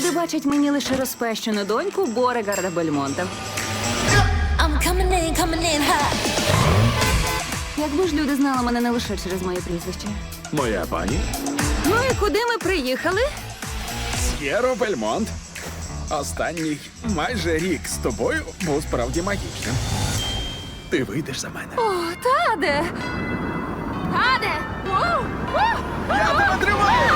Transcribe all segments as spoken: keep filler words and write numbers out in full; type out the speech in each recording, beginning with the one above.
люди бачать мені лише розпещену доньку Борегарда Бельмонта. I'm coming in, coming in hot. Якби ж люди знали мене не лише через моє прізвище. Моя пані Ну і куди ми приїхали? С'єро Бельмонт. Останній майже рік з тобою був справді магічним. Ти вийдеш за мене. О, Таде! Таде! Воу! Воу! Я тебе тримаю!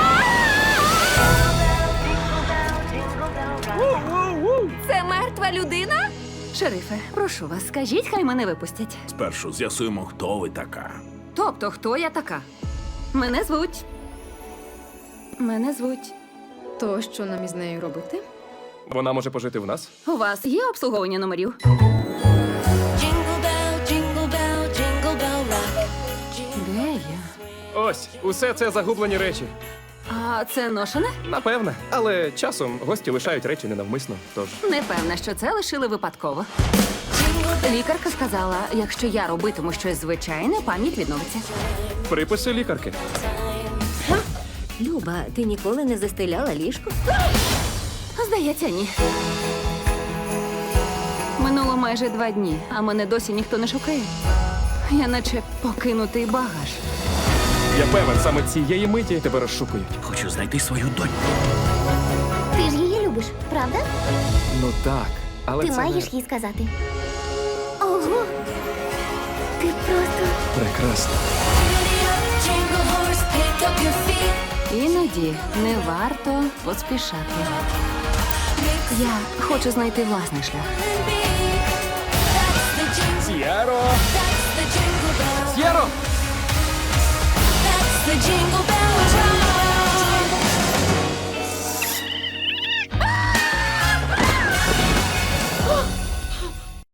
Це мертва людина? Шерифе, прошу вас, скажіть, хай мене випустять. Спершу з'ясуємо, хто ви така. Тобто, хто я така? Мене звуть. Мене звуть. То що нам із нею робити? Вона може пожити в нас? У вас є обслуговування номерів? Jingle bell, jingle bell, jingle bell rock. Де я? Ось, усе це загублені речі. А це ношене? Напевне. Але часом гості лишають речі ненавмисно. Тож Не певна, що це лишили випадково. Лікарка сказала, якщо я робитиму щось звичайне, пам'ять відновиться. приписи лікарки. Люба, ти ніколи не застеляла ліжко? Здається, ні. Минуло майже два дні, а мене досі ніхто не шукає. Я наче покинутий багаж. Я певен, саме цієї миті тебе розшукують. Хочу знайти свою доньку. Ти ж її любиш, правда? Ну так, але Ти це маєш не... їй сказати. Ого! Ти просто... прекрасно. Jingle horse, pick up your feet. Іноді не варто поспішати. Я хочу знайти власний шлях. That's the jingle, С'єро! that's the jingle bell. С'єро! That's the jingle bell.